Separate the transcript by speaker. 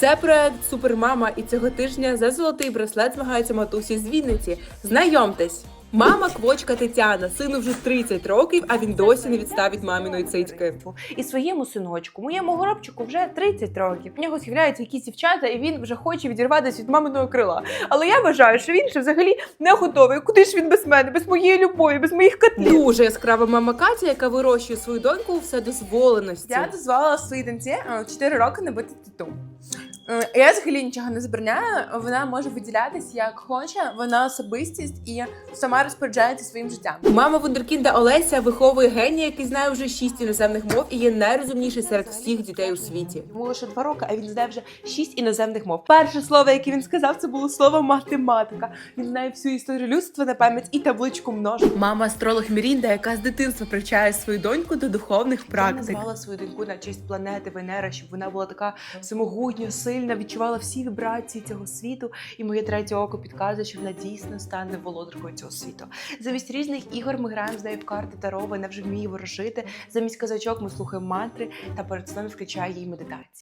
Speaker 1: Це проект Супермама, і цього тижня за золотий браслет змагаються матусі з Вінниці. Знайомтесь! Мама Квочка Тетяна, сину вже 30 років, а він досі не відставить маміної цицьки.
Speaker 2: І своєму синочку, моєму горобчику вже 30 років. В нього з'являються якісь дівчата, і він вже хоче відірватися від маминого крила. Але я вважаю, що він ще взагалі не готовий. Куди ж він без мене, без моєї любові, без моїх котлів?
Speaker 1: Дуже яскрава мама Катя, яка вирощує свою доньку у вседозволеності.
Speaker 2: Я дозволила своїй доньці 4 роки набити тату. Я взагалі нічого не забороняю, вона може виділятись як хоче, вона особистість і сама розпоряджається своїм життям.
Speaker 1: Мама вундеркінда Олеся виховує генія, який знає вже 6 іноземних мов і є найрозумніший серед всіх дітей у світі.
Speaker 2: Йому лише 2 роки, а він знає вже 6 іноземних мов. Перше слово, яке він сказав, це було слово математика. Він знає всю історію людства на пам'ять і табличку множення.
Speaker 1: Мама астролог Мірінда, яка з дитинства привчає свою доньку до духовних
Speaker 2: Я
Speaker 1: практик.
Speaker 2: назвала свою доньку на честь планети Венера, щоб вона була така всемогутня, сильна, відчувала всі вібрації цього світу. І моє 3-е око підказує, що вона дійсно стане володаркою цього світу. Замість різних ігор ми граємо з нею в карти Таро, вона вже вміє ворожити. Замість казачок ми слухаємо мантри та перед сном включає їй медитацію.